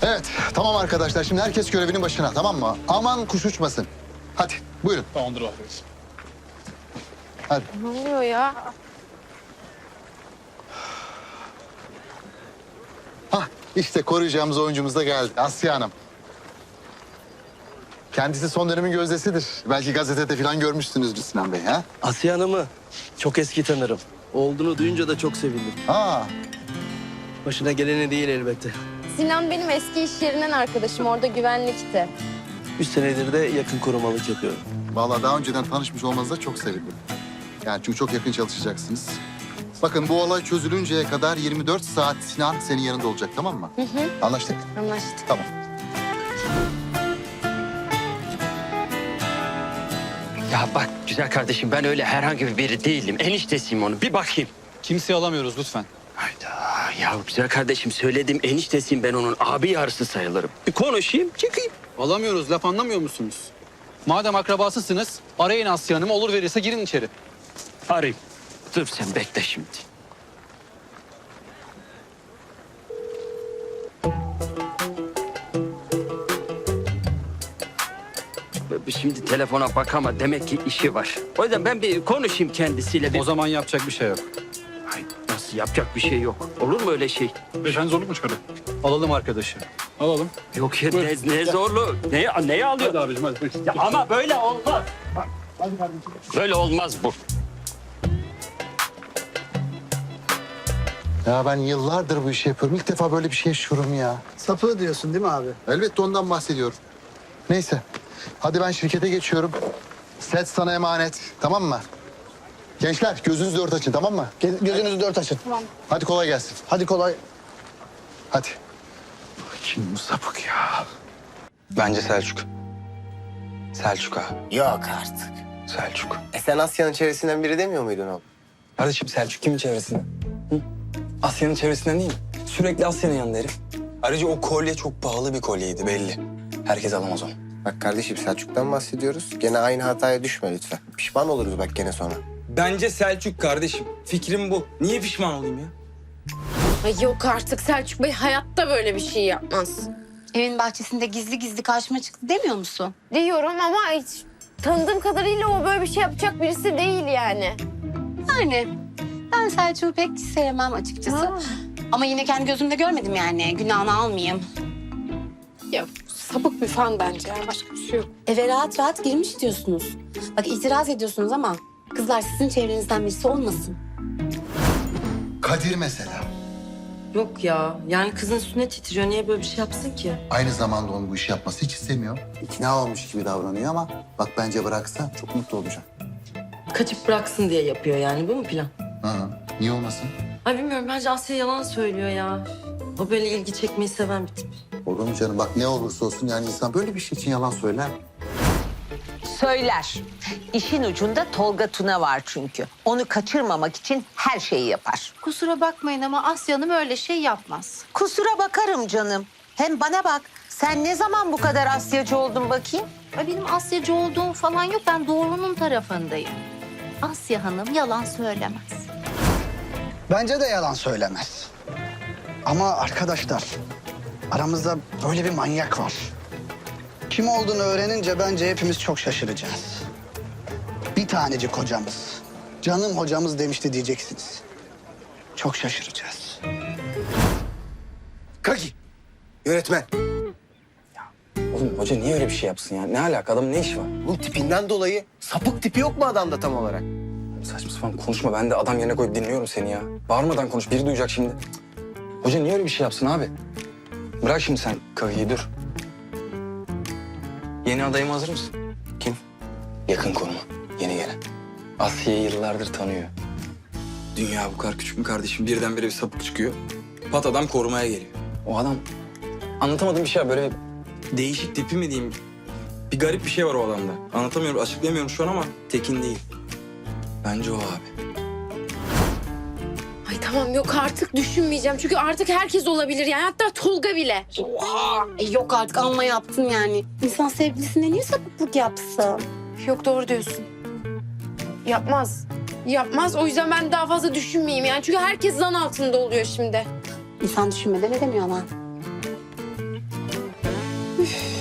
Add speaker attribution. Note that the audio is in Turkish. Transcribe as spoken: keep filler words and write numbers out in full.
Speaker 1: Evet, tamam arkadaşlar. Şimdi herkes görevinin başına, tamam mı? Aman kuş uçmasın. Hadi, buyurun.
Speaker 2: Tamamdır arkadaşım.
Speaker 1: Hadi.
Speaker 3: Ne oluyor ya?
Speaker 1: Hah, işte koruyacağımız oyuncumuz da geldi. Asya Hanım. Kendisi son dönemin gözdesidir. Belki gazetede falan görmüşsünüzdür Sinan Bey, ha?
Speaker 4: Asiye Hanım'ı çok eski tanırım. Olduğunu duyunca da çok sevindim.
Speaker 1: Ha,
Speaker 4: Başına geleni değil elbette.
Speaker 3: Sinan benim eski iş yerinden arkadaşım. Orada güvenlikti.
Speaker 4: Üç senedir de yakın korumalık yapıyorum.
Speaker 1: vallahi daha önceden tanışmış olmanıza çok sevindim. Yani çünkü çok yakın çalışacaksınız. Bakın bu olay çözülünceye kadar yirmi dört saat Sinan senin yanında olacak, tamam mı?
Speaker 3: Hı hı.
Speaker 1: Anlaştık?
Speaker 3: Anlaştık.
Speaker 1: Tamam.
Speaker 5: Ya bak güzel kardeşim ben öyle herhangi bir biri değilim. Eniştesiyim onun. Bir bakayım.
Speaker 2: Kimseyi alamıyoruz lütfen.
Speaker 5: Hayda ya güzel kardeşim söyledim eniştesiyim ben onun. Abi yarısı sayılırım. Bir konuşayım çıkayım.
Speaker 2: Alamıyoruz. Laf anlamıyor musunuz? Madem akrabasısınız arayın Asya Hanım'ı. Olur verirse girin içeri.
Speaker 5: Arayayım. Dur sen bekle şimdi. Şimdi telefona bak ama demek ki işi var. O yüzden ben bir konuşayım kendisiyle. Bir...
Speaker 2: O zaman yapacak bir şey yok.
Speaker 5: Ay, nasıl yapacak bir şey yok. Olur mu öyle şey?
Speaker 2: Beyefendi zorluk mu çıkarıyor? Alalım arkadaşı. Alalım.
Speaker 5: Yok ya ne, ne zorlu. Neye, neye alıyor?
Speaker 2: Hadi abicim hadi.
Speaker 5: Ya ama böyle olmaz. Böyle olmaz bu.
Speaker 1: Ya ben yıllardır bu işi yapıyorum. İlk defa böyle bir şey yaşıyorum ya.
Speaker 6: Sapı diyorsun değil mi abi?
Speaker 1: Elbette ondan bahsediyorum. Neyse. Hadi ben şirkete geçiyorum. Set sana emanet. Tamam mı? Gençler gözünüzü dört açın, tamam mı?
Speaker 6: Ge- Gözünüzü dört açın.
Speaker 1: Hadi kolay gelsin.
Speaker 6: Hadi kolay.
Speaker 1: Hadi. Kim bu sapık ya?
Speaker 7: Bence Selçuk. Selçuk abi.
Speaker 8: Yok artık.
Speaker 7: Selçuk.
Speaker 8: E sen Asya'nın çevresinden biri demiyor muydun oğlum?
Speaker 7: Kardeşim Selçuk kimin çevresinden? Hı? Asya'nın çevresinden değil mi? Sürekli Asya'nın yanında herif. Ayrıca o kolye çok pahalı bir kolyeydi belli. Herkes alamaz onu.
Speaker 8: Bak kardeşim Selçuk'tan bahsediyoruz. Gene aynı hataya düşme lütfen. Pişman oluruz bak gene sonra.
Speaker 7: Bence Selçuk kardeşim. Fikrim bu. Niye pişman olayım ya?
Speaker 3: Ay yok artık Selçuk Bey hayatta böyle bir şey yapmaz.
Speaker 9: Evin bahçesinde gizli gizli karşıma çıktı demiyor musun?
Speaker 3: Diyorum ama hiç tanıdığım kadarıyla o böyle bir şey yapacak birisi değil yani.
Speaker 9: Yani ben Selçuk'u pek sevmem açıkçası. Ama yine kendi gözümde görmedim yani. Günahını almayayım.
Speaker 3: Ya sapık bir fan bence ya. Başka bir şey yok.
Speaker 9: Eve rahat rahat girmiş diyorsunuz. Bak itiraz ediyorsunuz ama kızlar sizin çevrenizden birisi olmasın.
Speaker 1: Kadir mesela.
Speaker 10: Yok ya. Yani kızın üstüne titriyor. Niye böyle bir şey yapsın ki?
Speaker 1: Aynı zamanda onun bu işi yapması hiç istemiyor. İkna olmuş gibi davranıyor ama bak bence bıraksa çok mutlu olacak.
Speaker 10: Kaçıp bıraksın diye yapıyor yani. Bu mu plan?
Speaker 1: Hı hı. Niye olmasın?
Speaker 10: Ay bilmiyorum. Bence Asya yalan söylüyor ya. O böyle ilgi çekmeyi seven bir tip.
Speaker 1: Olur mu canım? Bak ne olursa olsun yani insan böyle bir şey için yalan söyler.
Speaker 11: Söyler. İşin ucunda Tolga Tuna var çünkü. Onu kaçırmamak için her şeyi yapar.
Speaker 9: Kusura bakmayın ama Asya Hanım öyle şey yapmaz.
Speaker 11: Kusura bakarım canım. Hem bana bak, sen ne zaman bu kadar Asyacı oldun bakayım?
Speaker 9: Ay benim Asyacı olduğum falan yok. Ben doğrunun tarafındayım. Asya Hanım yalan söylemez.
Speaker 6: Bence de yalan söylemez. Ama arkadaşlar aramızda böyle bir manyak var. Kim olduğunu öğrenince bence hepimiz çok şaşıracağız. Bir tanecik hocamız, canım hocamız demişti diyeceksiniz. Çok şaşıracağız.
Speaker 8: Kaki. Yönetmen.
Speaker 7: Oğlum hoca niye öyle bir şey yapsın ya? Ne alaka? Adamın ne işi var?
Speaker 8: Bu tipinden dolayı sapık tipi yok mu adamda tam olarak?
Speaker 7: Saçma sapan konuşma. Ben de adam yerine koyup dinliyorum seni ya. Bağırmadan konuş. Biri duyacak şimdi. Hoca niye öyle bir şey yapsın abi? Bırak şimdi sen Kavi'yi dur. Yeni adayıma hazır mısın?
Speaker 8: Kim?
Speaker 7: Yakın koruma. Yeni gelen. Asya'yı yıllardır tanıyor. Dünya bu kadar küçük mü kardeşim? Birdenbire bir sapık çıkıyor. Pat adam korumaya geliyor. O adam anlatamadığım bir şey var. Böyle değişik tipi mi diyeyim? Bir garip bir şey var o adamda. Anlatamıyorum, açıklayamıyorum şu an ama Tekin değil. Bence o abi.
Speaker 3: Ay tamam yok artık düşünmeyeceğim. Çünkü artık herkes olabilir yani hatta Tolga bile.
Speaker 9: Oha! E yok artık amma yaptın yani. İnsan sevgilisine niye sapıklık yapsın?
Speaker 3: Yok doğru diyorsun. Yapmaz. Yapmaz. O yüzden ben daha fazla düşünmeyeyim yani. Çünkü herkes zan altında oluyor şimdi.
Speaker 9: İnsan düşünmeden edemiyor ama.
Speaker 3: Üf.